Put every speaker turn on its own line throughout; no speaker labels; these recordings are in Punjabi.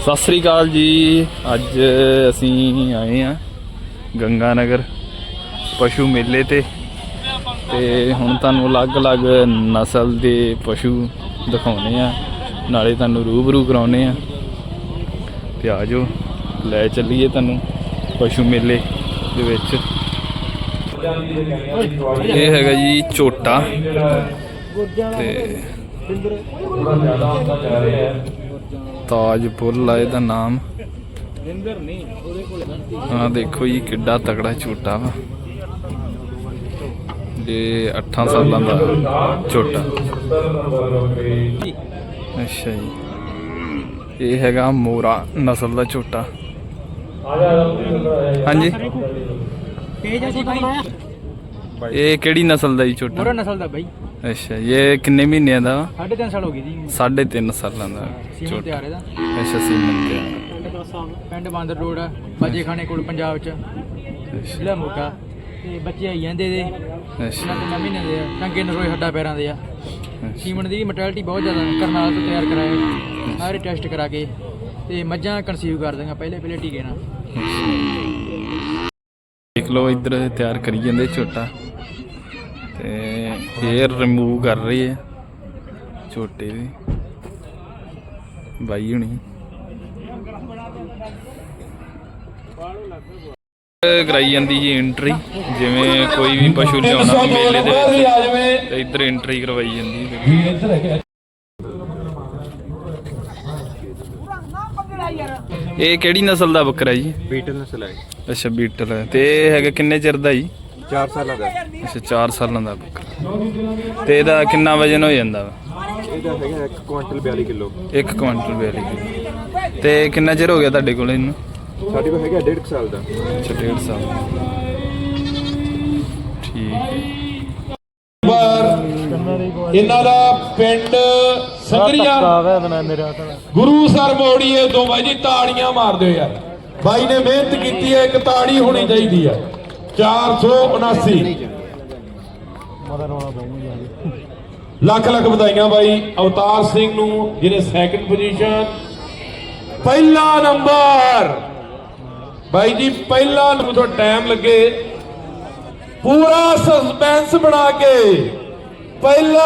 सत श्री अकाल जी। अज असी आए हैं गंगा नगर पशु मेले ते हुण तुहानूं अलग अलग नस्ल के पशु दिखाने आ, नाले तुहानूं रूबरू कराउने आ ते आ जाओ लै चलीए तुहानूं पशु मेले दे विच। ये हैगा जी झोटा ते ताज पुल है इहदा नाम। हाँ देखो जी किड्डा तगड़ा झोटा वा, ये 8 सालों का झोटा। अच्छा जी ये हैगा मोरा नस्ल का झोटा। हाँ जी ये केड़ी नस्ल का जी झोटा?
मोरा नस्ल का भाई।
अच्छा ये किन्ने महीने का?
3.5 साल हो गई जी।
3.5 सालों का झोटा। अच्छा सीमन ते
पिंड बांदर रोड बाजे खाने कोल पंजाब च जिला मोगा ते बच्चे आई जांदे दे। अच्छा 3 महीने दे टंगे नरोए हड्डा पैरां दे आ। सीमन दी मोर्टैलिटी बहुत ज़्यादा करनाल तो तैयार कराए सारे टेस्ट करा के ते मज्जां कंसीव कर देंगे पहले टीके ना।
देख लो इधर तैयार करी जाते झोटा ते हेयर रिमूव कर रही है झोटे दी बाई हुणी। कराई जाती जी एंट्री, जिवें कोई भी पशु लियाना मेले दे विच ते इधर एंट्री करवाई जाती। ये केड़ी नस्ल दा बकरा जी?
बीटल नस्ल है।
अच्छा बीटल है ते हैगा किन्ने चिर दा जी?
4 साल का।
अच्छा 4 सालों का बकरा ते इहदा किन्ना वजन हो जांदा वा?
ਇਹਦਾ ਹੈਗਾ 1 ਕੁਆਂਟਲ 42 ਕਿਲੋ।
1 quintal 42 kilo. ਤੇ ਕਿੰਨਾ ਚਿਰ ਹੋ ਗਿਆ ਤੁਹਾਡੇ ਕੋਲ ਇਹਨੂੰ?
ਸਾਡੇ ਕੋਲ ਹੈਗਾ 1.5 ਸਾਲ ਦਾ।
ਅੱਛਾ 1.5 ਸਾਲ। ਠੀਕ ਹੈ।
ਇਹਨਾਂ ਦਾ ਪਿੰਡ ਸੰਗਰੀਆਂ ਗੁਰੂਸਰ ਮੋੜੀਏ ਤੋਂ ਬਾਈ ਜੀ ਤਾੜੀਆਂ ਮਾਰ ਦਿਓ ਯਾਰ। ਬਾਈ ਨੇ ਮਿਹਨਤ ਕੀਤੀ ਹੈ, ਇੱਕ ਤਾੜੀ ਹੋਣੀ ਚਾਹੀਦੀ ਹੈ। 479 ਲੱਖ ਲੱਖ ਵਧਾਈਆਂ ਬਾਈ ਅਵਤਾਰ ਸਿੰਘ ਨੂੰ ਜਿਹਨੇ ਸੈਕਿੰਡ ਪੋਜੀਸ਼ਨ। ਪਹਿਲਾ ਨੰਬਰ ਬਾਈ ਜੀ ਪਹਿਲਾ ਨੰਬਰ। ਟਾਈਮ ਲੱਗੇ पूरा सस्पेंस बना के पहला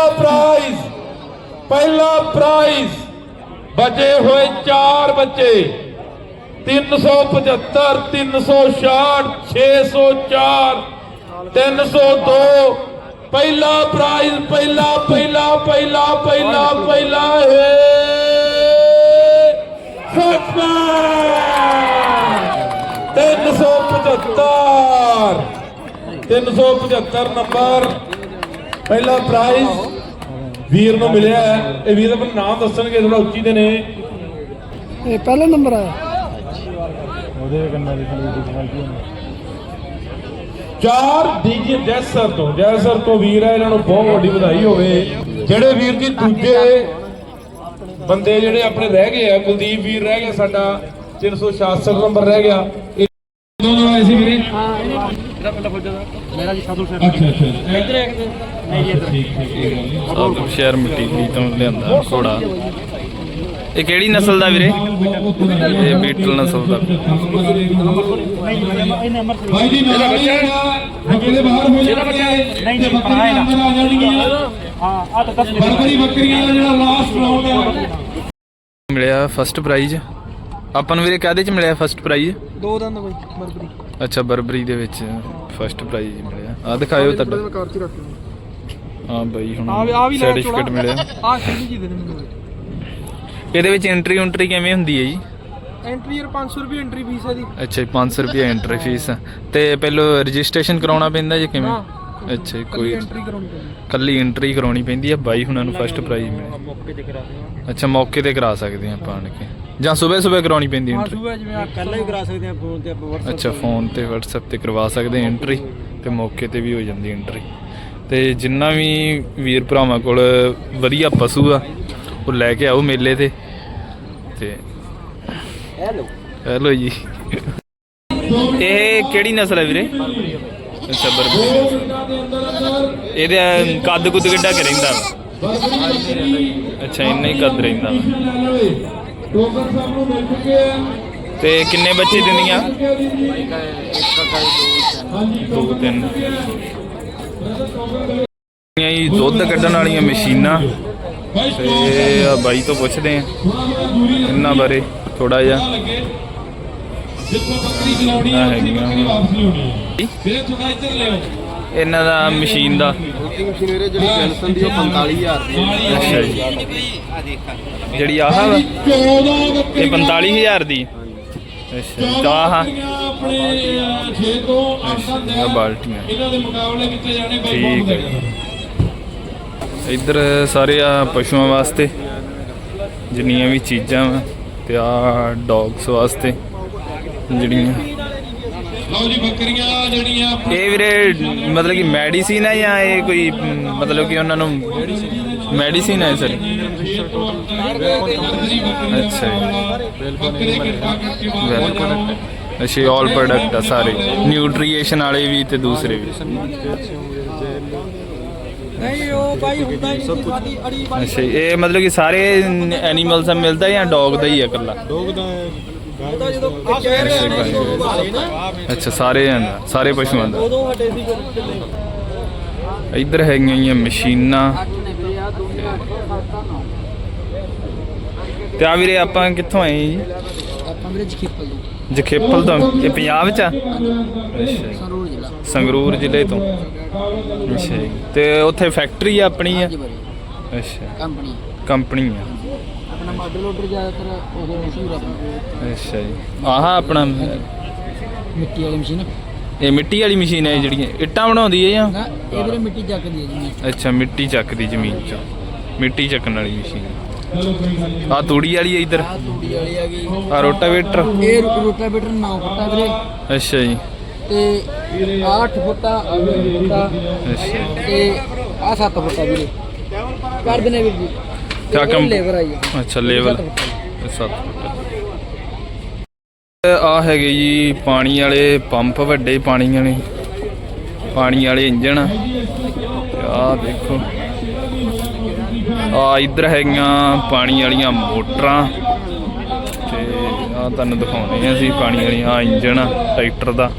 प्राइज बचे हुए 4 बच्चे 375 366 604 302। पहला प्राइज पहला पहला पहला पहला पहला है 375 375 नंबर पहला प्राइज वीर ਨੂੰ ਮਿਲਿਆ ਹੈ। ਇਹ ਵੀਰ ਆਪਣਾ ਨਾਮ ਦੱਸਣਗੇ ਥੋੜਾ ਉੱਚੀ ਦੇ ਨੇ।
ਇਹ ਪਹਿਲਾ ਨੰਬਰ ਆਇਆ ਉਹਦੇ ਕੰਨਾਂ ਦੀ ਕੁਆਲਿਟੀ
4 ਡੀਜੀ ਜੈਸਰ ਤੋਂ ਵੀਰ ਹੈ, ਇਹਨਾਂ ਨੂੰ ਬਹੁਤ ਵੱਡੀ ਵਧਾਈ ਹੋਵੇ। ਜਿਹੜੇ ਵੀਰ ਜੀ ਦੂਜੇ ਬੰਦੇ ਜਿਹੜੇ ਆਪਣੇ ਰਹਿ ਗਏ ਆ, ਕੁਲਦੀਪ ਵੀਰ ਰਹਿ ਗਿਆ ਸਾਡਾ 366 ਨੰਬਰ ਰਹਿ ਗਿਆ। ਦੋਨੋਂ ਆਏ ਸੀ ਵੀਰੇ। ਹਾਂ ਇਹਦਾ ਪਹਿਲਾ ਫੌਜਾ ਦਾ ਮੇਰਾ ਜੀ ਸਾਧੂ ਸਾਹਿਬ। ਅੱਛਾ ਇੱਧਰ ਹੈ ਕਿਤੇ ਨਹੀਂ ਜੀ ਇੱਧਰ। ਠੀਕ
ਸ਼ਹਿਰ ਮਿੱਟੀ ਤੋਂ ਲਿਆਂਦਾ ਘੋੜਾ। ਇਹ ਕਿਹੜੀ ਨਸਲ ਦਾ ਵੀਰੇ? ਇਹ ਬੀਟਲ ਨਸਲ ਦਾ।
ਭਾਈ ਜੀ ਮੇਰਾ ਬੱਚਾ ਬੱਕਰੇ ਦੇ ਬਾਹਰ ਹੋ ਜਾਣਗੇ ਨਹੀਂ ਜੀ ਬੱਕਰੀਆਂ ਅੰਦਰ ਆ ਜਾਣਗੀਆਂ। ਹਾਂ ਆ ਤਾਂ ਬੱਕਰੀਆਂ ਦਾ ਜਿਹੜਾ ਲਾਸਟ ਰਾਉਂਡ ਹੈ
ਮਿਲਿਆ ਫਸਟ ਪ੍ਰਾਈਜ਼ ਆਪਾਂ ਨੂੰ ਵੀਰੇ। ਕਾਹਦੇ ਚ ਮਿਲਿਆ ਫਸਟ ਪ੍ਰਾਈਜ਼?
2 ਦੰਦ ਕੋਈ ਬਰਬਰੀ।
ਅੱਛਾ ਬਰਬਰੀ ਦੇ ਵਿੱਚ ਫਸਟ ਪ੍ਰਾਈਜ਼ ਮਿਲਿਆ। ਆ ਦਿਖਾਇਓ ਤੁਹਾਡਾ। ਹਾਂ ਬਾਈ ਹੁਣ ਸਰਟੀਫਿਕੇਟ ਮਿਲਿਆ।
ਆ ਕਿੰਨੀ ਜੀ ਦੇ ਦੇ ਮੈਨੂੰ
ਇਹਦੇ ਵਿੱਚ ਐਂਟਰੀ ਕਿਵੇਂ ਹੁੰਦੀ ਹੈ ਜੀ?
ਐਂਟਰੀ 500 ਰੁਪਏ ਐਂਟਰੀ ਫੀਸ ਹੈ ਦੀ।
ਅੱਛਾ 500 ਰੁਪਏ ਐਂਟਰੀ ਫੀਸ ਤੇ ਪਹਿਲਾਂ ਰਜਿਸਟ੍ਰੇਸ਼ਨ ਕਰਾਉਣਾ ਪੈਂਦਾ ਜੀ ਕਿਵੇਂ? ਅੱਛਾ ਕੋਈ
ਐਂਟਰੀ ਕਰਾਉਣੀ ਪੈਂਦੀ,
ਕੱਲੀ ਐਂਟਰੀ ਕਰਾਉਣੀ ਪੈਂਦੀ ਹੈ। ਬਾਈ ਹੁਣਾਂ ਨੂੰ ਫਸਟ ਪ੍ਰਾਈਜ਼ ਮਿਲਿਆ।
ਮੌਕੇ ਤੇ ਕਰਾ ਦਿਓ।
ਅੱਛਾ ਮੌਕੇ ਤੇ ਕਰਾ ਸਕਦੇ ਆ ਆਪਾਂ ਆਣ ਕੇ ਜਾਂ ਸਵੇਰੇ ਕਰਾਉਣੀ ਪੈਂਦੀ ਐਂਟਰੀ?
ਸਵੇਰੇ ਜਿਵੇਂ ਪਹਿਲਾਂ ਵੀ ਕਰਾ ਸਕਦੇ ਆ ਫੋਨ ਤੇ ਆਪਾਂ WhatsApp।
ਅੱਛਾ ਫੋਨ ਤੇ WhatsApp ਤੇ ਕਰਵਾ ਸਕਦੇ ਐਂਟਰੀ ਤੇ ਮੌਕੇ ਤੇ ਵੀ ਹੋ ਜਾਂਦੀ ਐਂਟਰੀ। ਤੇ ਜਿੰਨਾ ਵੀ ਵੀਰ ਭਰਾਵਾਂ ਕੋਲ ਵਧੀਆ ਪਸ਼ੂ ਆ ਉਹ ਲੈ ਕੇ ਆਓ ਮੇਲੇ ਤੇ। ਹੈਲੋ ਜੀ ਇਹ ਕਿਹੜੀ ਨਸਲ ਹੈ ਵੀਰੇ? ਅੱਛਾ ਬਰਬਰੀ। ਇਹਦਾ ਕੱਦ ਕੁੱਦ ਕਿੱਡਾ ਕੁ ਰਹਿੰਦਾ ਵਾ? ਅੱਛਾ ਇੰਨਾ ਹੀ ਕੱਦ ਰਹਿੰਦਾ ਵਾ।
ਟੋਕਰ ਸਭ ਨੂੰ ਮਿਲ ਚੁੱਕੇ ਆ।
ਤੇ ਕਿੰਨੇ ਬੱਚੇ ਦਿੰਦੀਆਂ? ਦੋ ਤਿੰਨ ਜੀ। ਦੁੱਧ ਕੱਢਣ ਵਾਲੀਆਂ ਮਸ਼ੀਨਾਂ ਤੇ ਆ ਬਾਈ ਤੋਂ ਪੁੱਛਦੇ ਆ ਇਹਨਾਂ ਬਾਰੇ ਥੋੜਾ ਜਿਹਾ।
ਜਿੱਥੋਂ ਬੱਕਰੀ ਚਲਾਉਣੀ ਹੈ ਬੱਕਰੀ ਵਾਪਸ ਲਿਆਉਣੀ ਹੈ। ਵੀਰੇ ਥੋੜਾ ਇੱਧਰ ਲਿਓ।
ਇਹਨਾਂ ਦਾ ਮਸ਼ੀਨ ਦਾ
ਮਸ਼ੀਨ ਵੀਰੇ ਜਿਹੜੀ ਜੈਨਸਨ ਦੀ ਉਹ 45000 ਦੀ
ਅੱਛਾ ਜੀ। ਜਿਹੜੀ ਆਹ ਵਾ
14
ਇਹ 45000 ਦੀ। ਅੱਛਾ ਤਾਂ ਆਹ
ਆਪਣੇ 6 ਤੋਂ 8
ਆ ਬਾਲਟੀਆਂ
ਇਹਨਾਂ ਦੇ ਮੁਕਾਬਲੇ ਕੀਤੇ ਜਾਣੇ ਬਾਈ
ਠੀਕ
ਬਹੁਤ
ਹੈ।
ਵਧੀਆ।
ਇੱਧਰ ਸਾਰੇ ਆ ਪਸ਼ੂਆਂ ਵਾਸਤੇ ਜਿੰਨੀਆਂ ਵੀ ਚੀਜ਼ਾਂ ਵਾ ਤੇ ਆ ਡੌਗਸ ਵਾਸਤੇ ਜਿਹੜੀਆਂ
ਲਓ ਜੀ ਬੱਕਰੀਆਂ ਜਿਹੜੀਆਂ
ਇਹ ਵੀਰੇ ਮਤਲਬ ਕਿ ਮੈਡੀਸਿਨ ਹੈ ਜਾਂ ਇਹ ਕੋਈ ਮਤਲਬ ਕਿ ਉਹਨਾਂ ਨੂੰ ਮੈਡੀਸਿਨ ਹੈ ਸਰ? ਅੱਛਾ ਜੀ ਵੈਲਕਮ। ਅੱਛਾ ਆਲ ਪ੍ਰੋਡਕਟ ਆ ਸਾਰੇ ਨਿਊਟ੍ਰੀਸ਼ਨ ਵਾਲੇ ਵੀ ਤੇ ਦੂਸਰੇ ਵੀ।
ਨਹੀਂ ਉਹ ਭਾਈ ਹੁੰਦਾ ਹੀ ਨਹੀਂ ਸਾਡੀ ਅੜੀ
ਅੱਛਾ ਜੀ, ਇਹ ਮਤਲਬ ਕਿ ਸਾਰੇ ਐਨੀਮਲਸ ਦਾ ਮਿਲਦਾ ਜਾਂ ਡੌਗ ਦਾ ਹੀ ਆ ਇਕੱਲਾ?
ਉਹਦਾ ਜਦੋਂ ਕਹਿ ਰਹੇ ਨਾ
ਅੱਛਾ ਸਾਰੇ ਆਂਦਾ ਸਾਰੇ ਪਸ਼ੂਆਂ ਦਾ।
ਉਦੋਂ ਹਟੇ ਸੀ
ਇੱਧਰ ਹੈਗੀਆਂ ਗੀਆਂ ਮਸ਼ੀਨਾਂ ਤੇ ਆ ਵੀਰੇ ਆਪਾਂ ਕਿੱਥੋਂ ਆਏ ਜੀ?
ਆਪਾਂ ਵੀਰੇ ਜਖੀਪਲ ਤੋਂ
ਜਖੇਪਲ ਤੋਂ। ਇਹ ਪੰਜਾਬ ਚ ਆ? ਅੱਛਾ ਜੀ।
ਸੰਗਰੂਰ ਜ਼ਿਲ੍ਹਾ
ਸੰਗਰੂਰ ਜ਼ਿਲ੍ਹੇ ਤੋਂ। ਅੱਛਾ ਜੀ। ਤੇ ਉੱਥੇ ਫੈਕਟਰੀ ਆਪਣੀ ਆ?
ਜੀ ਬੜੀ
ਅੱਛਾ
ਕੰਪਨੀ
ਕੰਪਨੀ ਆ।
ਆਪਣਾ ਮਾਡਲ ਆਰਡਰ ਜ਼ਿਆਦਾਤਰ ਉਹ ਮਸ਼ਹੂਰ ਆਪਣਾ
ਅੱਛਾ ਜੀ। ਆਹ ਆਪਣਾ
ਮਿੱਟੀ ਵਾਲੀ ਮਸ਼ੀਨ
ਇਹ ਮਿੱਟੀ ਵਾਲੀ ਮਸ਼ੀਨ ਹੈ ਜਿਹੜੀਆਂ ਇੱਟਾਂ ਬਣਾਉਂਦੀ ਹੈ ਜਾਂ?
ਨਾ ਇਹ ਵੀਰੇ ਮਿੱਟੀ ਚੱਕਦੀ ਹੈ ਜੀ।
ਅੱਛਾ ਮਿੱਟੀ ਚੱਕਦੀ ਜ਼ਮੀਨ ਚੋਂ ਮਿੱਟੀ ਚੱਕਣ ਵਾਲੀ ਮਸ਼ੀਨ। ਆ ਤੂੜੀ ਵਾਲੀ ਹੈ ਇੱਧਰ।
ਆਹ ਤੂੜੀ ਵਾਲੀ ਆ ਗਈ।
ਆ ਰੋਟਾਵੇਟਰ।
ਇਹ ਰੋਟਾਵੇਟਰ 9 ਫੁੱਟਾ ਵੀਰੇ
ਅੱਛਾ ਜੀ।
ਤੇ 8 ਫੁੱਟਾ 8 ਫੁੱਟਾ
ਅੱਛਾ
ਤੇ ਆ 7 ਫੁੱਟਾ ਵੀਰੇ ਕਰ ਦੇਣੇ ਵੀਰ ਜੀ।
ਕਿਆ ਕੰਮ?
ਲੇਬਰ ਆਈ ਹੈ।
ਅੱਛਾ ਲੇਵਲ 7 ਆ ਹੈਗੇ ਜੀ ਪਾਣੀ ਵਾਲੇ ਪੰਪ ਵੱਡੇ ਪਾਣੀ ਵਾਲੇ ਇੰਜਣ। ਆ ਦੇਖੋ ਆ ਇੱਧਰ ਹੈਗੀਆਂ ਪਾਣੀ ਵਾਲੀਆਂ ਮੋਟਰਾਂ ਤੇ ਆ ਤੁਹਾਨੂੰ ਦਿਖਾਉਂਦੇ ਆ ਅਸੀਂ ਪਾਣੀ ਵਾਲੀਆਂ। ਆ ਇੰਜਣ ਆ ਟਰੈਕਟਰ ਦਾ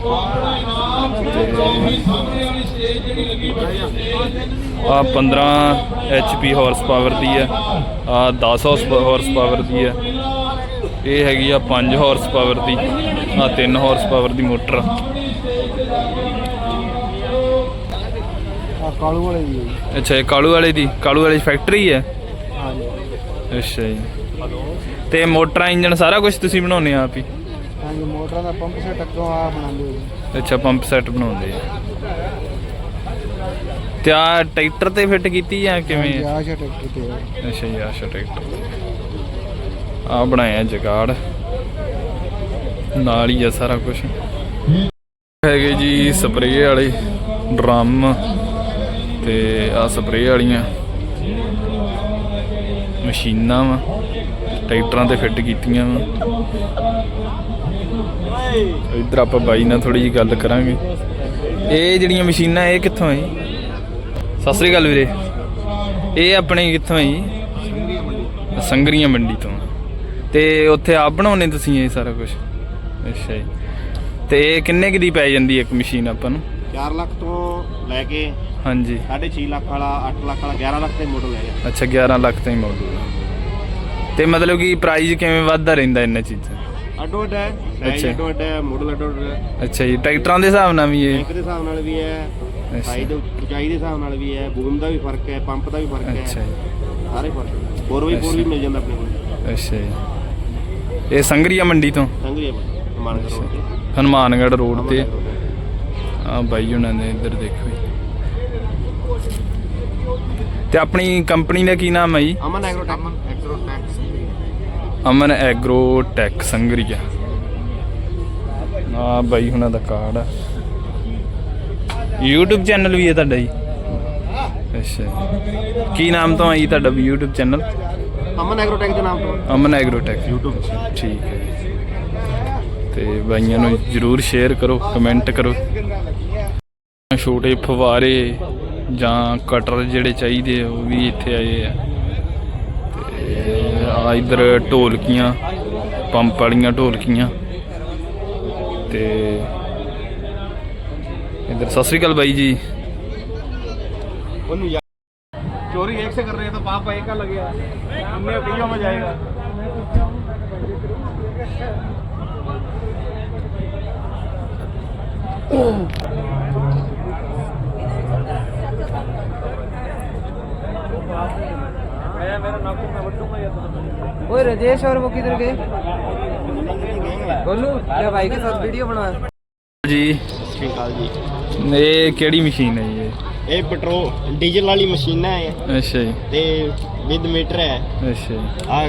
ਆ 15 HP ਹਾਰਸ ਪਾਵਰ ਦੀ ਆ। ਆ 10 ਹਾਰਸ ਪਾਵਰ ਦੀ ਆ। ਇਹ ਹੈਗੀ ਆ 5 ਹਾਰਸ ਪਾਵਰ ਦੀ। ਆ 3 ਹਾਰਸ ਪਾਵਰ ਦੀ ਮੋਟਰ।
ਕਾਲੂ ਵਾਲੇ ਦੀ ਹੈ।
ਅੱਛਾ ਇਹ ਕਾਲੂ ਵਾਲੇ ਫੈਕਟਰੀ ਹੈ?
ਹਾਂਜੀ
ਅੱਛਾ ਜੀ। ਤੇ ਮੋਟਰਾਂ ਇੰਜਣ ਸਾਰਾ ਕੁਝ ਤੁਸੀਂ ਬਣਾਉਂਦੇ ਆ ਆਪ ਹੀ?
ਹਾਂਜੀ ਮੋਟਰਾਂ ਦਾ ਪੰਪ ਸੈਟ ਅੱਗੋਂ ਆ ਬਣਾਉਂਦੇ ਹੋ।
ਅੱਛਾ ਪੰਪ ਸੈੱਟ ਬਣਾਉਂਦੇ ਆ। ਤੇ ਆ ਟਰੈਕਟਰ ਤੇ ਫਿੱਟ ਕੀਤੀ ਜਾਂ ਕਿਵੇਂ?
ਆਸ਼ਾ ਟਰੈਕਟਰ ਤੇ
ਅੱਛਾ ਜੀ ਆਸ਼ਾ ਟਰੈਕਟਰ। ਆ ਬਣਾਇਆ ਜਗਾੜ ਨਾਲ ਹੀ ਆ ਸਾਰਾ ਕੁਝ। ਹੈਗੇ ਜੀ ਸਪਰੇਅ ਵਾਲੇ ਡਰਮ ਤੇ ਆ ਸਪਰੇਅ ਵਾਲੀਆਂ ਮਸ਼ੀਨਾਂ ਵਾ ਟਰੈਕਟਰਾਂ ਤੇ ਫਿੱਟ ਕੀਤੀਆਂ ਵਾ। ਇੱਧਰ ਆਪਾਂ ਬਾਈ ਨਾਲ ਥੋੜੀ ਜਿਹੀ ਗੱਲ ਕਰਾਂਗੇ। ਇਹ ਜਿਹੜੀਆਂ ਮਸ਼ੀਨਾਂ ਇਹ ਕਿੱਥੋਂ ਹੈ ਜੀ? ਸਤਿ ਸ੍ਰੀ ਅਕਾਲ ਵੀਰੇ। ਇਹ ਆਪਣੇ ਕਿੱਥੋਂ ਹੈ ਜੀ? ਸੰਗਰੀਆਂ ਮੰਡੀ ਤੋਂ। ਤੇ ਉੱਥੇ ਆਪ ਬਣਾਉਣੇ ਤੁਸੀਂ ਇਹ ਸਾਰਾ ਕੁਝ? ਅੱਛਾ ਜੀ। ਤੇ ਇਹ ਕਿੰਨੇ ਕੁ ਦੀ ਪੈ ਜਾਂਦੀ ਇੱਕ ਮਸ਼ੀਨ ਆਪਾਂ ਨੂੰ?
4 ਲੱਖ ਤੋਂ ਲੈ ਕੇ
ਹਾਂਜੀ
6.5 ਲੱਖ ਵਾਲਾ 8 ਲੱਖ ਵਾਲਾ 11 ਲੱਖ ਦਾ ਮਾਡਲ ਹੈ।
ਅੱਛਾ 11 ਲੱਖ ਤਾਈਂ ਮਾਡਲ। ਤੇ ਮਤਲਬ ਕਿ ਪ੍ਰਾਈਸ ਕਿਵੇਂ ਵੱਧਦਾ ਰਹਿੰਦਾ ਇਹਨਾਂ ਚੀਜ਼ਾਂ?
ਅੱਡੋ ਅੱਡ ਹੈ ਸਾਈਜ਼ ਅੱਡੋ ਅੱਡ ਹੈ ਮਾਡਲ ਅੱਡੋ ਅੱਡ ਹੈ।
ਅੱਛਾ ਜੀ। ਟਰੈਕਟਰਾਂ ਦੇ ਹਿਸਾਬ ਨਾਲ ਵੀ ਇਹ?
ਟੈਂਕ ਦੇ ਹਿਸਾਬ ਨਾਲ ਵੀ ਹੈ ਸਾਈਜ਼ ਉਚਾਈ ਦੇ ਹਿਸਾਬ ਨਾਲ ਵੀ ਹੈ ਬੂਮ ਦਾ ਵੀ ਫਰਕ ਹੈ ਪੰਪ ਦਾ ਵੀ ਫਰਕ ਹੈ
ਅੱਛਾ ਜੀ।
ਸਾਰੇ ਫਰਕ 4x4 ਵੀ ਮਿਲ ਜਾਂਦਾ ਆਪਣੇ ਕੋਲ।
ਅੱਛਾ ਜੀ। ਇਹ ਸੰਗਰੀਆ ਮੰਡੀ ਤੋਂ
ਸੰਗਰੀਆ ਮਾਨਕ ਰੋਡ ਤੇ
ਹਨੂਮਾਨਗੜ੍ਹ ਰੋਡ ਤੇ ਆ ਬਾਈ ਉਹਨਾਂ ਨੇ ਇੱਧਰ ਦੇਖੋ ਜੀ। ਤੇ ਆਪਣੀ ਕੰਪਨੀ ਦਾ ਕੀ ਨਾਮ ਹੈ ਜੀ?
ਅਮਨ ਐਗਰੋਟੈਕ
ਅਮਨ ਐਗਰੋਟੈਕ ਸੰਗਰੀਆ। ਆ ਬਾਈ ਹੁਣਾਂ ਦਾ ਕਾਰਡ ਆ। YouTube ਚੈਨਲ ਵੀ ਹੈ ਤੁਹਾਡਾ ਜੀ? ਅੱਛਾ ਕੀ ਨਾਮ ਤੋਂ ਹੈ ਜੀ ਤੁਹਾਡਾ YouTube ਚੈਨਲ?
ਅਮਨ ਐਗਰੋਟੈਕ ਦੇ ਨਾਮ ਤੋਂ।
ਅਮਨ ਐਗਰੋਟੈਕ YouTube। ਠੀਕ ਹੈ ਜੀ। ਤੇ ਬਾਈਆਂ ਨੂੰ ਜ਼ਰੂਰ ਸ਼ੇਅਰ ਕਰੋ ਕਮੈਂਟ ਕਰੋ। ਛੋਟੇ ਫਵਾਰੇ ਜਾਂ ਕਟਰ ਜਿਹੜੇ ਚਾਹੀਦੇ ਉਹ ਵੀ ਇੱਥੇ ਆਏ ਆ। ਤੇ ਆ ਇੱਧਰ ਢੋਲਕੀਆਂ, ਪੰਪ ਵਾਲੀਆਂ ਢੋਲਕੀਆਂ। ਤੇ ਇੱਧਰ ਸਤਿ ਸ਼੍ਰੀ ਅਕਾਲ ਬਾਈ ਜੀ।
चोरी एक से कर रहे हैं तो पाप एक का लगेगा, हमने कईयों में जाएगा।
ओए राजेश और वो किधर गए? बोलू क्या भाई के साथ वीडियो बना
जी।
ठीक है जी।
ਇਹ ਕਿਹੜੀ ਮਸ਼ੀਨ ਹੈ ਜੀ?
ਇਹ ਪੈਟਰੋਲ ਡੀਜ਼ਲ ਵਾਲੀ ਮਸ਼ੀਨ ਹੈ
ਅੱਛਾ ਜੀ,
ਤੇ ਵਿਦ ਮੀਟਰ ਹੈ।
ਅੱਛਾ ਜੀ।
ਆ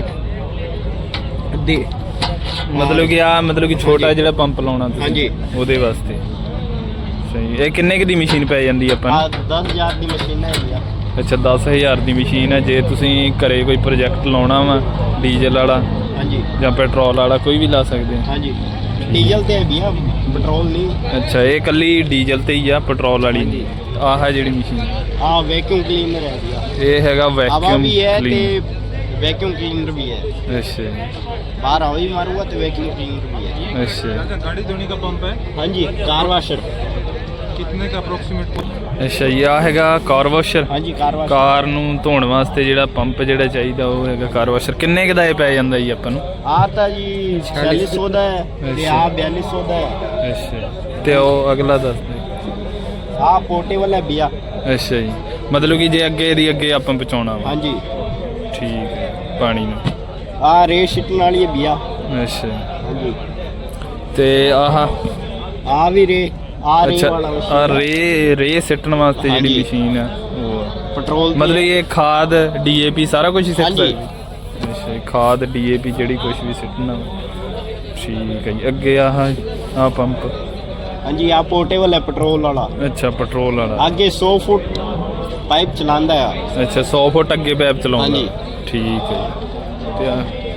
ਦੇ
ਮਤਲਬ ਕਿ ਆ ਮਤਲਬ ਕਿ ਛੋਟਾ ਜਿਹੜਾ ਪੰਪ ਲਾਉਣਾ ਤੁਸੀਂ
ਹਾਂਜੀ।
ਉਹਦੇ ਵਾਸਤੇ। ਸਹੀ। ਇਹ ਕਿੰਨੇ ਕੁ ਦੀ ਮਸ਼ੀਨ ਪੈ ਜਾਂਦੀ ਆਪਾਂ
ਆ
ਨੂੰ?
10,000 ਦੀ ਮਸ਼ੀਨ ਹੈ ਜੀ।
ਅੱਛਾ 10,000 ਦੀ ਮਸ਼ੀਨ ਹੈ। ਜੇ ਤੁਸੀਂ ਘਰੇ ਕੋਈ ਪ੍ਰੋਜੈਕਟ ਲਾਉਣਾ ਵਾ ਡੀਜ਼ਲ ਵਾਲਾ
ਹਾਂਜੀ
ਜਾਂ ਪੈਟਰੋਲ ਵਾਲਾ ਕੋਈ ਵੀ ਲਾ ਸਕਦੇ ਆ।
ਹਾਂਜੀ ਡੀਜ਼ਲ ਤੇ ਹੈ ਭਈਆ, ਪੈਟਰੋਲ ਨਹੀਂ।
ਅੱਛਾ ਇਹ ਇਕੱਲੀ ਡੀਜ਼ਲ ਤੇ ਹੀ ਆ, ਪੈਟਰੋਲ ਵਾਲੀ ਨਹੀਂ। ਆਹ ਹੈ ਜਿਹੜੀ ਮਸ਼ੀਨ,
ਆ ਵੈਕਿਊਮ ਕਲੀਨਰ ਹੈ ਭਈਆ।
ਇਹ ਹੈਗਾ
ਹਵਾ
ਵੈਕਿਊਮ
ਵੀ ਹੈ ਤੇ
ਕਲੀਨਰ।
ਵੈਕਿਊਮ ਕਲੀਨਰ ਵੀ ਹੈ।
ਅੱਛਾ ਜੀ,
बाहर हवा भी मारूंगा तो वैक्यूम क्लीनर भी है।
ਅੱਛਾ
गाड़ी धोने का पंप है,
हाँ जी कार वाशर।
कितने का अप्रोक्सीमेट?
ਅੱਛਾ ਜੀ। ਆ ਹੈਗਾ ਕਾਰ ਵਾਸ਼ਰ।
हाँ जी कार वाशर।
ਕਾਰ ਨੂੰ ਧੋਣ ਵਾਸਤੇ ਜਿਹੜਾ ਪੰਪ ਜਿਹੜਾ ਚਾਹੀਦਾ ਉਹ ਹੈਗਾ ਕਾਰ ਵਾਸ਼ਰ। ਕਿੰਨੇ ਕੁ ਦਾ ਇਹ ਪੈ ਜਾਂਦਾ ਜੀ ਆਪਾਂ ਨੂੰ?
आता जी 4600 ਦਾ ਹੈ ਤੇ ਆ 4200 ਦਾ ਹੈ।
ਅੱਛਾ ਤੇ ਉਹ ਅਗਲਾ ਦੱਸ ਦੇ।
ਆ पोर्टेबल है भैया।
ਅੱਛਾ ਜੀ, ਮਤਲਬ ਕਿ ਜੇ ਅੱਗੇ ਦੀ ਅੱਗੇ ਆਪਾਂ ਪਹੁੰਚਾਉਣਾ ਵਾ।
हाँ जी
ਠੀਕ ਹੈ, ਪਾਣੀ ਨੂੰ।
आ रे शिटन वाली है भैया।
ਅੱਛਾ
हाँ जी
ਤੇ ਆਹ
आ भी रे आ रे
ਅੱਛਾ
वाला
ਆ ਰੇ ਸਿੱਟਣ ਵਾਸਤੇ ਜਿਹੜੀ
ਹਾਂਜੀ।
ਮਸ਼ੀਨ ਆ ਉਹ
पेट्रोल
ਮਤਲਬ ਇਹ ਖਾਦ ਡੀਏਪੀ ਸਾਰਾ ਕੁਝ ਸਿੱਟ
ਹਾਂਜੀ।
ਸਕਦੀ? ਅੱਛਾ ਜੀ, ਖਾਦ ਡੀਏਪੀ ਜਿਹੜੀ ਕੁਝ ਵੀ ਸਿੱਟਣਾ ਵਾ। ਠੀਕ ਹੈ ਜੀ। ਅੱਗੇ ਆਹ ਪੰਪ।
हाँ जी आ पोर्टेबल है पेट्रोल वाला।
ਅੱਛਾ ਪੈਟਰੋਲ ਵਾਲਾ।
आगे 100 फुट पाइप चलांदा है।
ਅੱਛਾ 100 ਫੁੱਟ ਅੱਗੇ ਪੈਪ ਚਲਾਉਂਦਾ।
ਹਾਂਜੀ।
ਠੀਕ ਹੈ ਜੀ। ਤੇ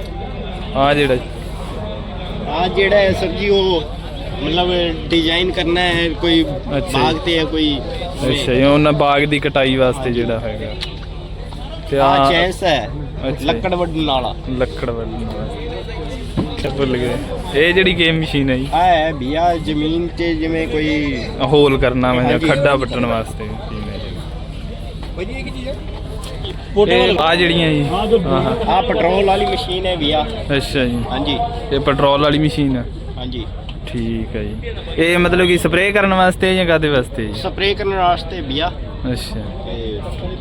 ਆ ਜਿਹੜਾ
आ जेड़ा है सर जी वो मतलब डिजाइन करना है, कोई
अच्छा।
भागते है कोई।
ਅੱਛਾ ਜੀ, ਉਹਨਾਂ ਬਾਗ ਦੀ ਕਟਾਈ ਵਾਸਤੇ ਜਿਹੜਾ ਹੈਗਾ। ਤੇ
आ
ਆ
चैंस है
अच्छा।
लकड़ वड्डन वाला।
ਲੱਕੜ ਵਾਲੀ ਵਾਸਤੇ। ਭੁੱਲ ਗਏ। ਇਹ ਜਿਹੜੀ ਗੇਮ ਮਸ਼ੀਨ ਹੈ ਜੀ,
ਆ ਹੈ ਭਈਆ ਜ਼ਮੀਨ 'ਚ ਜਿਵੇਂ ਕੋਈ
ਹੋਲ ਕਰਨਾ ਵਾ ਜਾਂ
ਹਾਂਜੀ।
ਖੱਡਾ ਪੱਟਣ ਵਾਸਤੇ ਮਸ਼ੀਨ ਹੈ ਜਿਹੜੀ।
पोर्टेबल।
ਆ ਜਿਹੜੀਆਂ ਜੀ ਆਹ
ਆ ਪੈਟਰੋਲ ਵਾਲੀ ਮਸ਼ੀਨ ਹੈ ਭਈਆ।
ਅੱਛਾ ਜੀ,
ਹਾਂਜੀ
ਇਹ ਪੈਟਰੋਲ ਵਾਲੀ ਮਸ਼ੀਨ ਹੈ।
ਹਾਂਜੀ
ਠੀਕ ਹੈ ਜੀ। ਇਹ ਮਤਲਬ ਕਿ ਸਪਰੇਅ ਕਰਨ ਵਾਸਤੇ ਜਾਂ ਕਾਹਦੇ ਵਾਸਤੇ ਜੀ?
ਸਪਰੇਅ ਕਰਨ ਵਾਸਤੇ ਭਈਆ।
ਅੱਛਾ
ਤੇ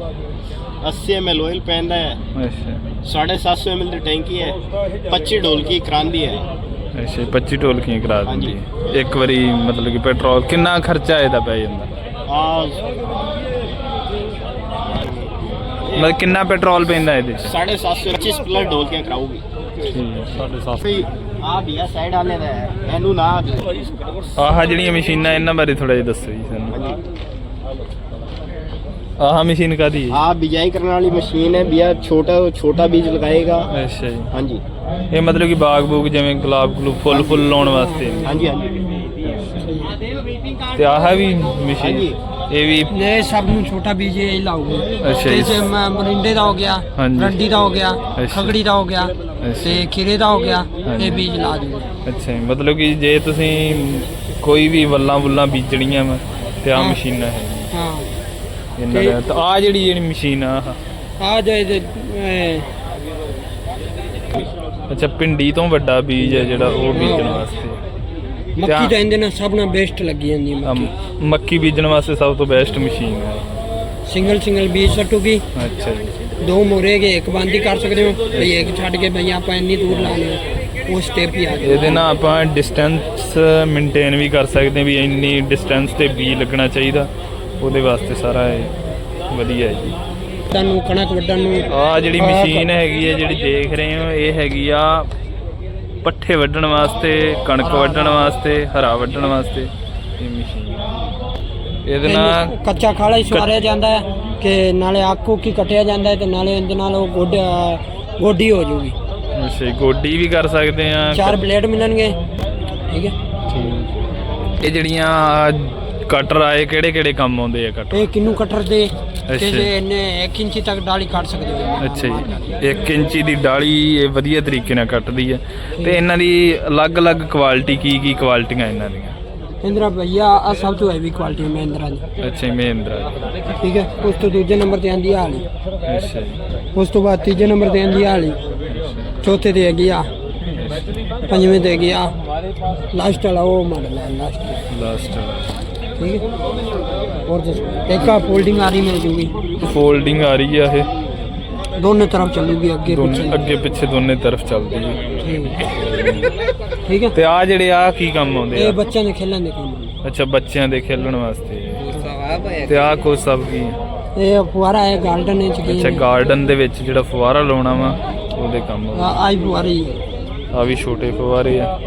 80 ml ਆਇਲ ਪੈਂਦਾ ਹੈ।
ਅੱਛਾ
750 ml ਦੀ ਟੈਂਕੀ ਹੈ। 25 ਢੋਲਕੀ ਕਰਾਂਦੀ ਹੈ।
ਅੱਛਾ 25 ਢੋਲਕੀਆਂ ਕਰਾ ਦਿੰਦੀ
ਹਾਂਜੀ।
ਹੈ ਇੱਕ ਵਾਰੀ। ਮਤਲਬ ਕਿ ਪੈਟਰੋਲ ਕਿੰਨਾ ਖਰਚਾ ਇਹਦਾ ਪੈ ਜਾਂਦਾ?
ਆ
ਮਤਲਬ ਕਿੰਨਾ ਪੈਟਰੋਲ ਪੈਂਦਾ ਇਹਦੇ 'ਚ?
750 25 ਪਲਸ ਢੋਲਕੀਆਂ ਕਰਾਊਗੀ। ਆ ਭਈਆ ਸਾਈਡ ਵਾਲੇ ਦਾ ਹੈ, ਇਹਨੂੰ ਨਾ
ਆਹ ਜਿਹੜੀਆਂ ਮਸ਼ੀਨਾਂ ਇਹਨਾਂ ਬਾਰੇ ਥੋੜਾ ਜਿਹਾ ਦੱਸੋ ਜੀ ਸਾਨੂੰ।
ਹਾਂਜੀ।
ਆਹ ਮਸ਼ੀਨ ਕਾਹਦੀ ਹੈ?
ਆ ਬਿਜਾਈ ਕਰਨ ਵਾਲੀ ਮਸ਼ੀਨ ਹੈ ਭਈਆ। ਛੋਟਾ ਬੀਜ ਲਗਾਏਗਾ।
ਅੱਛਾ ਜੀ,
ਹਾਂਜੀ
ਇਹ ਮਤਲਬ ਕਿ ਬਾਗ ਬੂਗ ਜਿਵੇਂ ਗੁਲਾਬ ਗਲੂਬ ਫੁੱਲ ਲਾਉਣ ਵਾਸਤੇ।
ਹਾਂਜੀ ਹਾਂਜੀ
ਤੇ ਆਹ ਵੀ ਮਸ਼ੀਨ
ਹਾਂਜੀ।
ਇਹ ਵੀ
ये सब ਨੂੰ ਛੋਟਾ ਬੀਜ ਇਹ ਲਾਉਗੇ।
ਅੱਛਾ ਜੀ।
जैसे मरिंडे ਦਾ ਹੋ ਗਿਆ,
ਹਾਂਜੀ।
रंडी ਦਾ ਹੋ ਗਿਆ,
ਅੱਛਾ।
ਖਗੜੀ ਦਾ ਹੋ ਗਿਆ ਤੇ ਖੀਰੇ ਦਾ ਹੋ ਗਿਆ।
ਹਾਂਜੀ।
ਇਹ ਬੀਜ ਲਾ ਦਿਓ।
ਅੱਛਾ ਜੀ, ਮਤਲਬ ਕਿ ਜੇ ਤੁਸੀਂ ਕੋਈ ਵੀ ਵੱਲਾਂ ਬੀਜਣੀਆਂ ਵਾ ਤੇ ਆਹ
ਹਾਂ।
ਮਸ਼ੀਨਾਂ ਹੈ
ਹਾਂ
ਇਹਨਾਂ ਦਾ। ਤਾਂ ਆਹ ਜਿਹੜੀ ਮਸ਼ੀਨ ਆ
ਆ ਜਾਏ ਤੇ
ਅੱਛਾ ਭਿੰਡੀ ਤੋਂ ਵੱਡਾ ਬੀਜ ਹੈ ਜਿਹੜਾ ਉਹ ਬੀਜਣ ਵਾਸਤੇ।
ਮੱਕੀ ਤਾਂ ਇਹਦੇ ਨਾਲ ਸਭ ਨਾਲ ਬੈਸਟ ਲੱਗੀ ਜਾਂਦੀ ਹੈ।
ਮੱਕੀ ਬੀਜਣ ਵਾਸਤੇ ਸਭ ਤੋਂ ਬੈਸਟ ਮਸ਼ੀਨ ਹੈ।
ਸਿੰਗਲ ਬੀਜ ਸੱਟੂਗੀ।
ਅੱਛਾ ਜੀ,
ਦੋ ਮੋਰੇਗੇ ਇੱਕ ਬੰਦ ਹੀ ਕਰ ਸਕਦੇ ਹੋ ਭਈ ਇੱਕ ਛੱਡ ਕੇ ਭਈ ਆਪਾਂ ਇੰਨੀ ਦੂਰ ਲਾ ਲਿਓ ਉਹ ਸਟੈਪ ਹੀ ਆ ਗਿਆ।
ਇਹਦੇ ਨਾਲ ਆਪਾਂ ਡਿਸਟੈਂਸ ਮੇਨਟੇਨ ਵੀ ਕਰ ਸਕਦੇ ਵੀ ਇੰਨੀ ਡਿਸਟੈਂਸ ਤੇ ਬੀਜ ਲੱਗਣਾ ਚਾਹੀਦਾ। ਉਹਦੇ ਵਾਸਤੇ ਸਾਰਾ ਇਹ ਵਧੀਆ ਹੈ ਜੀ।
ਤੁਹਾਨੂੰ ਕਣਕ ਵੱਢਣ ਨੂੰ
ਆਹ ਜਿਹੜੀ ਮਸ਼ੀਨ ਹੈਗੀ ਹੈ ਜਿਹੜੀ ਦੇਖ ਰਹੇ ਹੋ ਇਹ ਹੈਗੀ ਆ ਪੱਠੇ ਵੱਢਣ ਵਾਸਤੇ, ਕਣਕ ਵੱਢਣ ਵਾਸਤੇ, ਹਰਾ ਵੱਢਣ ਵਾਸਤੇ ਇਹ ਮਸ਼ੀਨ। ਇਹਦੇ ਨਾਲ
ਇਹਨੂੰ ਕੱਚਾ ਖਾਲਾ ਹੀ ਸਵਾਰਿਆ ਜਾਂਦਾ ਹੈ ਕਿ ਨਾਲੇ ਆਕੂ ਕੀ ਕੱਟਿਆ ਜਾਂਦਾ ਹੈ ਤੇ ਨਾਲੇ ਇਹਦੇ ਨਾਲ ਉਹ ਗੋਡੀ ਹੋ ਜੂਗੀ।
ਅੱਛਾ ਜੀ, ਗੋਡੀ ਵੀ ਕਰ ਸਕਦੇ ਆ।
4 ਬਲੇਡ ਮਿਲਣਗੇ। ਠੀਕ ਹੈ।
ਇਹ ਜਿਹੜੀਆਂ ਕਟਰ ਆਏ ਕਿਹੜੇ ਕੰਮ ਆਉਂਦੇ ਆ ਕਟਰ?
ਇਹ ਕਿੰਨੂ ਕਟਰ ਦੇ
ਅੱਛਾ।
ਤੇ ਇਹਨੇ 1 ਇੰਚੀ ਤੱਕ ਡਾਲੀ ਕੱਟ ਸਕਦੇ ਹੋ।
ਅੱਛਾ ਜੀ 1 ਇੰਚੀ ਦੀ ਡਾਲੀ ਇਹ ਵਧੀਆ ਤਰੀਕੇ ਨਾਲ ਕੱਟਦੀ ਹੈ। ਤੇ ਇਹਨਾਂ ਦੀ ਅਲੱਗ-ਅਲੱਗ ਕੁਆਲਿਟੀ ਕੀ ਕੁਆਲਿਟੀਆਂ ਇਹਨਾਂ ਦੀਆਂ?
ਇੰਦਰਾ ਭਈਆ ਆ ਸਭ ਤੋਂ ਹੈਵੀ ਕੁਆਲਿਟੀ ਹੈ ਮਹਿੰਦਰਾ ਦੀ।
ਅੱਛਾ ਮਹਿੰਦਰਾ।
ਠੀਕ ਹੈ। ਉਸ ਤੋਂ ਦੂਜੇ ਨੰਬਰ ਤੇ ਆਂਦੀ ਆ ਵਾਲੀ।
ਅੱਛਾ ਜੀ।
ਉਸ ਤੋਂ ਬਾਅਦ ਤੀਜੇ ਨੰਬਰ ਤੇ ਆਂਦੀ ਆ ਵਾਲੀ। ਚੌਥੇ ਤੇ ਹੈਗੀ ਆ। ਪੰਜਵੇਂ ਤੇ ਹੈਗੀ ਆ। ਲਾਸਟ ਵਾਲਾ ਉਹ ਮਾਡਲ ਹੈ ਲਾਸਟ। ठीक है। और एक का फोल्डिंग आ रही मिल जूगी।
फोल्डिंग आ रही है ये
दोनों तरफ चलूगी
ਅੱਗੇ ਪਿੱਛੇ ਦੋਨੇ ਤਰਫ ਚੱਲਦੀ ਹੈ।
ठीक है।
ਤੇ ਆ ਜਿਹੜੇ ਆ ਕੀ ਕੰਮ ਆਉਂਦੇ
ਇਹ
ਆ?
ਬੱਚਿਆਂ ਦੇ ਖੇਲਣ ਦੇ ਕੰਮ।
ਅੱਛਾ ਬੱਚਿਆਂ ਦੇ ਖੇਲਣ ਵਾਸਤੇ। ਤੇ ਆ ਕੁਛ ਸਭ ਕੀ?
ਇਹ ਫੁਆਰਾ ਹੈ ਗਾਰਡਨ ਵਿੱਚ ਕੀ?
ਅੱਛਾ ਗਾਰਡਨ ਦੇ ਵਿੱਚ ਜਿਹੜਾ ਫੁਆਰਾ ਲਾਉਣਾ ਵਾ ਉਹਦੇ ਕੰਮ
ਆਈ ਫੁਆਰੇ ਹੀ ਹੈ।
ਆ ਵੀ ਛੋਟੇ ਫੁਆਰੇ ਆ।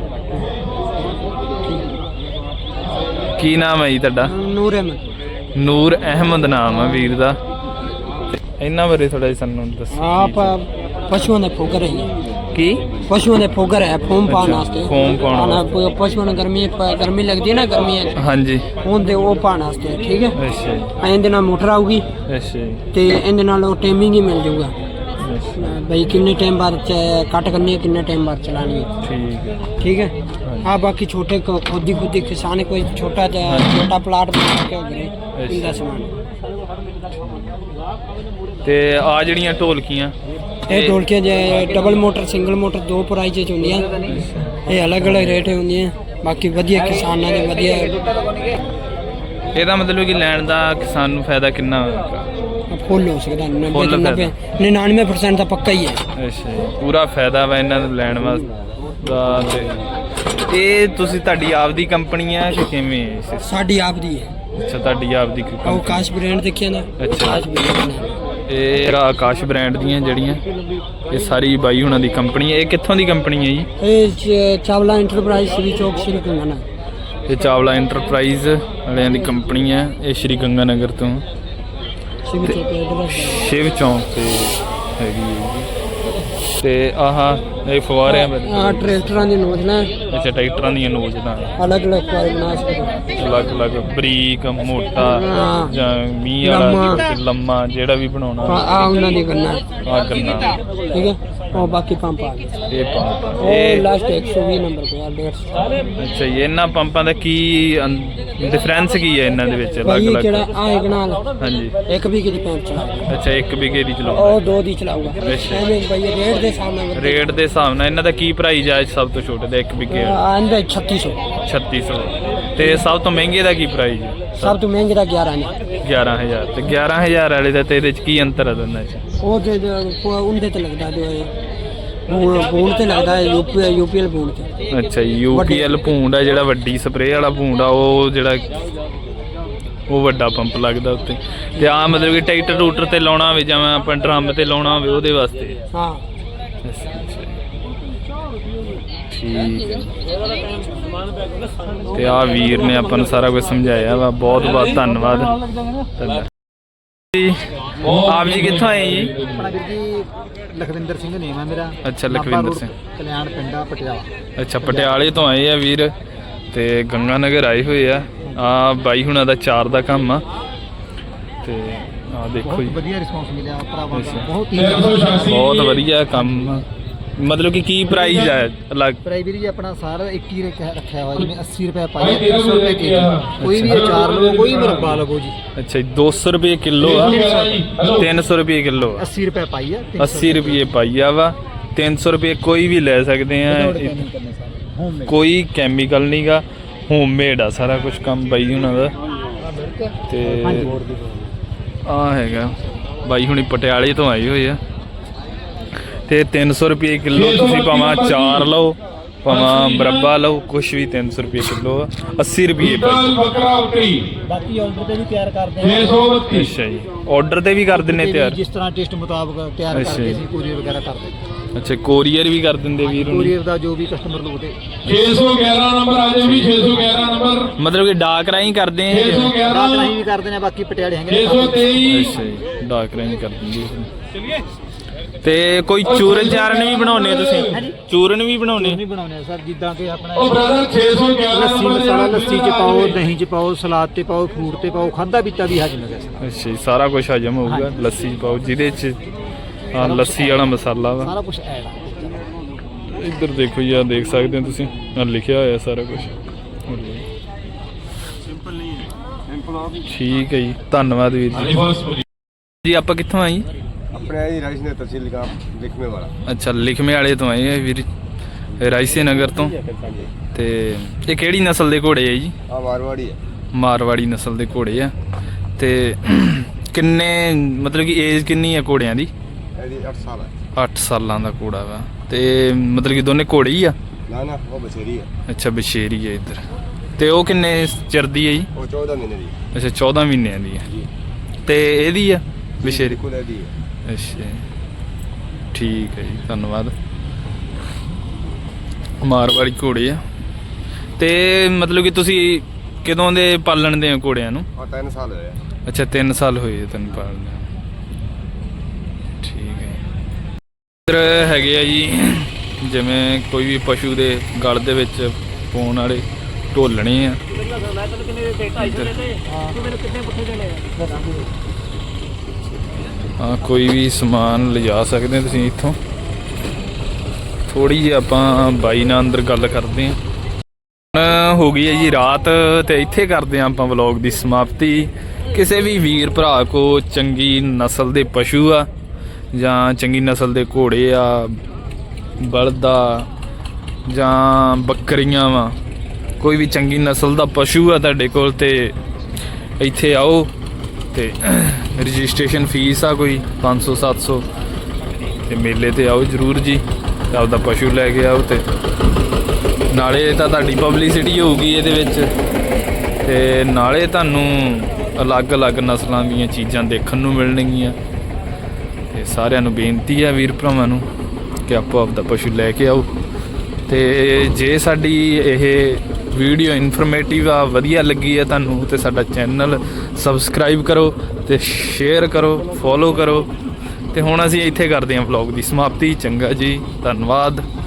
ਕੀ ਨਾਮ ਹੈ ਜੀ ਤੁਹਾਡਾ?
ਨੂਰ ਅਹਿਮਦ।
ਨੂਰ ਅਹਿਮਦ ਨਾਮ ਆ ਵੀਰ ਦਾ। ਇਹਨਾਂ ਬਾਰੇ ਥੋੜਾ ਜਿਹਾ ਸਾਨੂੰ ਦੱਸੋ।
ਆਪ ਪਸ਼ੂਆਂ ਦੇ ਫੋਗਰ ਹੈ।
ਕੀ?
ਪਸ਼ੂਆਂ ਦੇ ਫੋਗਰ ਹੈ ਫੋਮ ਪਾਉਣ ਵਾਸਤੇ।
ਫੋਮ ਪਾਉਣ ਵਾਸਤੇ।
ਪਸ਼ੂਆਂ ਨੂੰ ਗਰਮੀ ਲੱਗਦੀ ਹੈ ਨਾ ਗਰਮੀਆਂ 'ਚ।
ਹਾਂਜੀ।
ਉਹਦੇ ਉਹ ਪਾਉਣ ਵਾਸਤੇ। ਠੀਕ ਹੈ।
ਅੱਛਾ ਜੀ।
ਇਹਦੇ ਨਾਲ ਮੋਟਰ ਆਊਗੀ
ਅੱਛਾ ਜੀ।
ਤੇ ਇਹਦੇ ਨਾਲ ਉਹ ਟਾਈਮਿੰਗ ਹੀ ਮਿਲ ਜਾਊਗਾ भाई किन्ने टाइम बाद कट करनी है किन्ने टाइम बाद चलानी है।
ठीक है।
ठीक है। हाँ बाकी छोटे खुद ही किसान कोई छोटा प्लाट बना के इनका समान
ते आ जड़ियां ढोलकियां
ये ढोलकियां जो डबल मोटर सिंगल मोटर दो प्राइज होंदियां ये अलग अलग रेट होंदियां बाकी वधिया किसानां दे वधिया
ਇਹਦਾ ਮਤਲਬ ਕਿ ਲੈਣ ਦਾ ਕਿਸਾਨ ਨੂੰ ਫਾਇਦਾ ਕਿੰਨਾ ਹੋਵੇਗਾ?
फुल हो सकता है 99% ਦਾ ਪੱਕਾ ਹੀ ਹੈ।
ਅੱਛਾ ਜੀ ਪੂਰਾ ਫਾਇਦਾ ਵਾ ਇਹਨਾਂ ਨੂੰ ਲੈਣ ਵਾਸਤੇ। ਇਹ ਤੁਸੀਂ ਤੁਹਾਡੀ ਆਪ ਦੀ ਕੰਪਨੀ ਆ ਕਿ ਕਿਵੇਂ?
ਸਾਡੀ ਆਪ ਦੀ ਹੈ।
ਅੱਛਾ ਤੁਹਾਡੀ ਆਪ ਦੀ
ਉਹ ਆਕਾਸ਼ ਬ੍ਰਾਂਡ ਦੇਖਿਆ ਨਾ?
ਅੱਛਾ ਇਹ ਆਕਾਸ਼ ਬ੍ਰਾਂਡ ਦੀਆਂ ਜਿਹੜੀਆਂ ਇਹ ਸਾਰੀ ਬਾਈ ਹੁਣਾਂ ਦੀ ਕੰਪਨੀ ਹੈ। ਇਹ ਕਿੱਥੋਂ ਦੀ ਕੰਪਨੀ ਹੈ ਜੀ?
ਇਹ ਚਾਵਲਾ ਇੰਟਰਪ੍ਰਾਈਜ਼ ਸ਼੍ਰੀ ਚੌਕ ਸ਼੍ਰੀ ਗੰਗਾਨਗਰ।
ਇਹ ਚਾਵਲਾ ਇੰਟਰਪ੍ਰਾਈਜ਼ ਵਾਲਿਆਂ ਦੀ ਕੰਪਨੀ ਹੈ। ਇਹ ਸ਼੍ਰੀ ਗੰਗਾਨਗਰ ਤੋਂ ਸ਼ਿਵ ਚੌਂਕ ਤੇ ਹੈਗੀ ਹੈ ਜੀ। ਤੇ ਆਹ ਇਹ ਫੁਆਰਿਆਂ
ਆ ਟਰੈਕਟਰਾਂ ਦੀ ਨੋਜ਼ਲਾਂ।
ਅੱਛਾ ਟਰੈਕਟਰਾਂ ਦੀਆਂ ਨੋਜ਼ਲਾਂ
ਅਲੱਗ ਅਲੱਗ ਫੁਆਰੇ ਬਣਾ ਸਕਦੇ।
ਅਲੱਗ ਅਲੱਗ ਬਰੀਕ ਮੋਟਾ ਜਾਂ ਮੀਂਹ ਵਾਲਾ ਲੰਮਾ ਜਿਹੜਾ ਵੀ ਬਣਾਉਣਾ
ਆ ਉਹਨਾਂ ਦੀ ਕਰਨਾ
ਆ ਕਰਨਾ।
ਠੀਕ ਹੈ। ਉਹ ਬਾਕੀ ਪੰਪ ਆ ਗਏ।
ਇਹ ਪੰਪ
ਉਹ ਲਾਸਟ 120 ਨੰਬਰ ਤੇ ਆ 150।
ਅੱਛਾ ਜੀ ਇਹਨਾਂ ਪੰਪਾਂ ਦਾ ਕੀ ਡਿਫਰੈਂਸ ਕੀ ਹੈ ਇਹਨਾਂ ਦੇ ਵਿੱਚ ਅਲੱਗ ਅਲੱਗ?
ਜਿਹੜਾ ਆ ਇੱਕ ਨਾਲ
ਹਾਂਜੀ
ਇੱਕ ਵੀਗੇ ਦੀ ਪੰਪ ਚਲਾਊਗਾ।
ਅੱਛਾ ਇੱਕ ਵਿਗੇ ਦੀ ਚਲਾਉਂਦਾ
ਉਹ ਦੋ ਦੀ ਚਲਾਊਗਾ। ਐਵੇਂ ਭਾਈ ਰੇਟ ਦੇ ਸਾਹਮਣੇ
ਰੇਟ ਦੇ ਹਿਸਾਬ ਨਾਲ ਇਹਨਾਂ ਦਾ ਕੀ ਪ੍ਰਾਈਸ ਹੈ? ਸਭ ਤੋਂ ਛੋਟੇ ਦਾ ਇੱਕ ਵਿਗੇ
ਆਂਦਾ 3600
3600 ਤੇ ਸਭ ਤੋਂ ਮਹਿੰਗੇ ਦਾ ਕੀ ਪ੍ਰਾਈਸ ਹੈ?
ਸਭ ਤੋਂ ਮਹਿੰਗੇ ਦਾ 11000
11000 ਤੇ 11000 ਵਾਲੇ ਦਾ ਤੇ ਇਹਦੇ ਚ ਕੀ ਅੰਤਰ ਹੈ ਦੋਨਾਂ ਚ?
ਉਹ ਤੇ ਉਹਦੇ ਤੇ ਲੱਗਦਾ ਜੋ ਬੂੰਡ ਤੇ ਲੱਗਦਾ ਹੈ ਯੂਪੀਐਲ ਬੂੰਡ ਤੇ।
ਅੱਛਾ ਯੂਪੀਐਲ ਭੂੰਡ ਆ ਜਿਹੜਾ ਵੱਡੀ ਸਪਰੇਅ ਵਾਲਾ ਭੂੰਡ ਆ ਉਹ ਜਿਹੜਾ ਉਹ ਵੱਡਾ ਪੰਪ ਲੱਗਦਾ ਉੱਤੇ। ਤੇ ਆ ਮਤਲਬ ਕਿ ਟਰੈਕਟਰ ਰੂਟਰ ਤੇ ਲਾਉਣਾ ਹੋਵੇ ਜਾਂ ਆਪਾਂ ਡਰਮ ਤੇ ਲਾਉਣਾ ਹੋਵੇ ਉਹਦੇ ਵਾਸਤੇ।
ਹਾਂ
ਠੀਕ ਹੈ। ਤੇ ਆ ਵੀਰ ਨੇ ਆਪਾਂ ਨੂੰ ਸਾਰਾ ਕੁਝ ਸਮਝਾਇਆ ਵਾ। ਬਹੁਤ ਬਹੁਤ ਧੰਨਵਾਦ ਜੀ। ਆਪ ਜੀ ਕਿੱਥੋਂ ਆਏ ਜੀ?
ਆਪਣਾ ਵੀਰ ਜੀ ਲਖਵਿੰਦਰ ਸਿੰਘ ਨੇਮ ਹੈ ਮੇਰਾ।
ਅੱਛਾ ਲਖਵਿੰਦਰ ਸਿੰਘ
ਕਲਿਆਣ ਪਿੰਡਾ ਪਟਿਆਲਾ।
ਅੱਛਾ ਪਟਿਆਲੇ ਤੋਂ ਆਏ ਆ ਵੀਰ ਤੇ ਗੰਗਾਨਗਰ ਆਏ ਹੋਏ ਆ। ਆ ਬਾਈ ਹੁਣਾਂ ਦਾ ਚਾਰ ਦਾ ਕੰਮ ਆ ਤੇ ਆ ਦੇਖੋ ਜੀ
ਵਧੀਆ ਰਿਸਪੌਂਸ ਮਿਲਿਆ ਭਰਾਵਾਂ ਦਾ।
ਬਹੁਤ ਵਧੀਆ ਕੰਮ। ਮਤਲਬ ਕਿ ਕੀ ਪ੍ਰਾਈਸ ਹੈ ਅਲੱਗ?
ਪ੍ਰਾਈਸ ਵੀਰ ਜੀ ਆਪਣਾ ਸਾਰਾ ਇੱਕ ਹੀ ਰੱਖਿਆ ਹੋਇਆ ਜਿਵੇਂ 80 ਰੁਪਏ ਪਾਈ 300 ਰੁਪਏ ਕਿਲੋ। ਕੋਈ ਵੀ ਅਚਾਰ ਲਵੋ ਕੋਈ ਵੀ ਮੁਰੱਬਾ ਲਵੋ ਜੀ।
ਅੱਛਾ 200 ਰੁਪਏ ਕਿਲੋ ਆ 300 ਰੁਪਏ ਕਿਲੋ ਆ
80 ਰੁਪਏ ਪਾਈ ਆ
80 ਰੁਪਏ ਪਾਈਆ ਵਾ 300 ਰੁਪਏ ਕੋਈ ਵੀ ਲੈ ਸਕਦੇ ਆ। ਕੋਈ ਕੈਮੀਕਲ ਨਹੀਂਗਾ ਹੋਮਮੇਡ ਆ ਸਾਰਾ ਕੁਝ ਕੰਮ ਬਾਈ ਹੁਣਾਂ ਦਾ। ਤੇ ਆ ਹੈਗਾ ਬਾਈ ਹੁਣੀ ਪਟਿਆਲੇ ਤੋਂ ਆਏ ਹੋਏ ਆ ਤੇ 300 ਰੁਪਏ ਕਿਲੋ ਤੁਸੀਂ ਭਾਵੇਂ ਚਾਰ ਲਓ ਭਾਵੇਂ ਮੁਰੱਬਾ ਲਓ ਕੁਛ ਵੀ 300 ਰੁਪਏ ਕਿਲੋ ਆ 80 ਰੁਪਏ
ਬਾਕੀ ਆਰਡਰ ਤੇ ਵੀ ਤਿਆਰ ਕਰਦੇ ਆ।
ਅੱਛਾ ਜੀ ਆਰਡਰ ਤੇ ਵੀ ਕਰ ਦਿੰਨੇ ਤਿਆਰ?
ਜਿਸ ਤਰ੍ਹਾਂ ਟੇਸਟ ਮੁਤਾਬਕ ਤਿਆਰ ਕਰਕੇ ਅਸੀਂ ਕੋਰੀਅਰ ਵਗੈਰਾ ਕਰਦੇ।
ਅੱਛਾ ਕੋਰੀਅਰ ਵੀ ਕਰ ਦਿੰਦੇ ਵੀਰ ਨੂੰ?
ਕੋਰੀਅਰ ਦਾ ਜੋ ਵੀ ਕਸਟਮਰ ਲੋਗੇ
611 ਨੰਬਰ ਆ ਜਾਓ ਵੀ 611 ਨੰਬਰ
ਮਤਲਬ ਕਿ ਡਾਕ ਰਾਹੀਂ ਕਰਦੇ ਆ?
611
ਡਾਕ ਰਾਹੀਂ ਵੀ ਕਰਦੇ ਨੇ ਬਾਕੀ ਪਟਿਆਲੇ ਹੈਗੇ
623
ਅੱਛਾ ਜੀ ਡਾਕ ਰਾਹੀਂ ਕਰ ਦਿੰਦੇ ਤੇ ਕੋਈ ਚੂਰਨ ਚਾਰਨ ਵੀ ਬਣਾਉਣੇ ਤੁਸੀਂ? ਚੂਰਨ ਵੀ ਬਣਾਉਣੇ?
ਨਹੀਂ ਬਣਾਉਂਦੇ ਸਰ, ਜਿੱਦਾਂ ਕਿ ਆਪਣਾ
ਉਹ ਬ੍ਰਦਰ 611
ਲੱਸੀ ਮਸਾਲਾ ਲੱਸੀ ਚ ਪਾਓ, ਦਹੀਂ ਚ ਪਾਓ, ਸਲਾਦ ਤੇ ਪਾਓ, ਫਰੂਟ ਤੇ ਪਾਓ, ਖਾਦਾ ਪੀਤਾ ਵੀ ਹਜਮ ਹੈ ਸਰ।
ਅੱਛਾ ਜੀ, ਸਾਰਾ ਕੁਝ ਹਜਮ ਹੋਊਗਾ ਲੱਸੀ 'ਚ ਪਾਓ, ਜਿਹਦੇ 'ਚ ਲੱਸੀ ਵਾਲਾ ਮਸਾਲਾ ਵਾ।
ਸਾਰਾ ਕੁਝ ਐਡ ਆ।
ਇੱਧਰ ਦੇਖੋ ਜੀ, ਆ ਦੇਖ ਸਕਦੇ ਹੋ ਤੁਸੀਂ, ਆ ਲਿਖਿਆ ਹੋਇਆ ਸਾਰਾ ਕੁਝ। ਠੀਕ ਹੈ ਜੀ, ਧੰਨਵਾਦ ਵੀਰ ਜੀ। ਜੀ ਆਪਾਂ ਕਿੱਥੋਂ ਆਏ ਜੀ?
ਆਪਣੇ ਆਈ ਰਾਈਸ ਨੇ ਤਹਿਸੀਲ ਗਾਮ ਲਿਖਮੇ ਵਾਲਾ।
ਅੱਛਾ, ਲਿਖਮੇ ਵਾਲੇ ਤੋਂ ਆਏ ਆ ਵੀਰ, ਰਾਇਸੇ ਨਗਰ ਤੋਂ। ਤੇ ਇਹ ਕਿਹੜੀ ਨਸਲ ਦੇ ਘੋੜੇ ਆ ਜੀ?
ਆ ਮਾਰਵਾੜੀ ਹੈ।
ਮਾਰਵਾੜੀ ਨਸਲ ਦੇ ਘੋੜੇ ਆ। ਤੇ ਕਿੰਨੇ ਮਤਲਬ ਕਿ ਏਜ ਕਿੰਨੀ ਆ ਘੋੜਿਆਂ ਦੀ?
ਇਹਦੀ 8 ਸਾਲ ਹੈ।
8 ਸਾਲਾਂ ਦਾ ਘੋੜਾ ਵਾ। ਤੇ ਮਤਲਬ ਕਿ ਦੋਨੇ ਘੋੜੇ ਹੀ ਆ?
ਨਾ ਨਾ, ਉਹ ਬਛੇਰੀ ਹੈ।
ਅੱਛਾ, ਬਸ਼ੇਰੀ ਹੈ ਇੱਧਰ। ਤੇ ਉਹ ਕਿੰਨੇ ਚਿਰ ਦੀ ਹੈ ਜੀ?
ਉਹ 14 ਮਹੀਨੇ ਦੀ।
ਅੱਛਾ, 14 ਮਹੀਨਿਆਂ ਦੀ ਹੈ। ਤੇ ਇਹਦੀ ਆ ਬਸ਼ੇਰੀ?
ਬਿਲਕੁਲ ਇਹਦੀ ਹੈ।
ਅੱਛਾ, ਠੀਕ ਹੈ ਜੀ, ਧੰਨਵਾਦ। ਮਾਰਵਾੜੀ ਘੋੜੇ ਆ। ਤੇ ਮਤਲਬ ਕਿ ਤੁਸੀਂ ਕਦੋਂ ਦੇ ਪਾਲਣ ਦੇ ਹੋ ਘੋੜਿਆਂ ਨੂੰ?
ਆ 3 ਸਾਲ ਹੋਏ।
ਅੱਛਾ, 3 ਸਾਲ ਹੋਏ ਤੈਨੂੰ ਪਾਲਦੇ। ਠੀਕ ਹੈ। ਇੱਧਰ ਹੈਗੇ ਆ ਜੀ, ਜਿਵੇਂ ਕੋਈ ਵੀ ਪਸ਼ੂ ਦੇ ਗਲ ਦੇ ਵਿੱਚ ਪਾਉਣ ਵਾਲੇ ਢੋਲਣੇ ਆ। ਹਾਂ, ਕੋਈ ਵੀ ਸਮਾਨ ਲਿਜਾ ਸਕਦੇ ਹੋ ਤੁਸੀਂ ਇੱਥੋਂ। ਥੋੜੀ ਜਿਹੀ ਆਪਾਂ ਬਾਈ ਨਾਲ ਅੰਦਰ ਗੱਲ ਕਰਦੇ ਹਾਂ। ਹੁਣ ਹੋ ਗਈ ਹੈ ਜੀ ਰਾਤ, ਤੇ ਇੱਥੇ ਕਰਦੇ ਹਾਂ ਆਪਾਂ ਵਲੌਗ ਦੀ ਸਮਾਪਤੀ। ਕਿਸੇ ਵੀ ਵੀਰ ਭਰਾ ਕੋ ਚੰਗੀ ਨਸਲ ਦੇ ਪਸ਼ੂ ਆ ਜਾਂ ਚੰਗੀ ਨਸਲ ਦੇ ਘੋੜੇ ਆ, ਬਲਦ ਆ ਜਾਂ ਬੱਕਰੀਆਂ ਵਾ, ਕੋਈ ਵੀ ਚੰਗੀ ਨਸਲ ਦਾ ਪਸ਼ੂ ਆ ਤੁਹਾਡੇ ਕੋਲ, ਤੇ ਇੱਥੇ ਆਓ। ਤੇ ਰਜਿਸਟ੍ਰੇਸ਼ਨ ਫੀਸ ਆ ਕੋਈ 500-700, ਤੇ ਮੇਲੇ ਤੇ ਆਓ ਜ਼ਰੂਰ ਜੀ, ਤੇ ਆਪਦਾ ਪਸ਼ੂ ਲੈ ਕੇ ਆਓ। ਤੇ ਨਾਲੇ ਤਾਂ ਤੁਹਾਡੀ ਪਬਲਿਸਿਟੀ ਹੋਊਗੀ ਇਹਦੇ ਵਿੱਚ, ਤੇ ਨਾਲੇ ਤੁਹਾਨੂੰ ਅਲੱਗ-ਅਲੱਗ ਨਸਲਾਂ ਦੀਆਂ ਚੀਜ਼ਾਂ ਦੇਖਣ ਨੂੰ ਮਿਲਣਗੀਆਂ। ਤੇ ਸਾਰਿਆਂ ਨੂੰ ਬੇਨਤੀ ਆ ਵੀਰ ਭਰਾਵਾਂ ਨੂੰ ਕਿ ਆਪੋ ਆਪਦਾ ਪਸ਼ੂ ਲੈ ਕੇ ਆਓ। ਤੇ ਜੇ ਸਾਡੀ ਇਹ ਵੀਡੀਓ ਇਨਫੋਰਮੇਟਿਵ ਆ, ਵਧੀਆ ਲੱਗੀ ਹੈ ਤੁਹਾਨੂੰ, ਤੇ ਸਾਡਾ ਚੈਨਲ ਸਬਸਕ੍ਰਾਈਬ ਕਰੋ ਤੇ ਸ਼ੇਅਰ ਕਰੋ, ਫੋਲੋ ਕਰੋ। ਤੇ ਹੁਣ ਅਸੀਂ ਇੱਥੇ ਕਰਦੇ ਹਾਂ ਵਲੌਗ ਦੀ ਸਮਾਪਤੀ। ਚੰਗਾ ਜੀ, ਧੰਨਵਾਦ।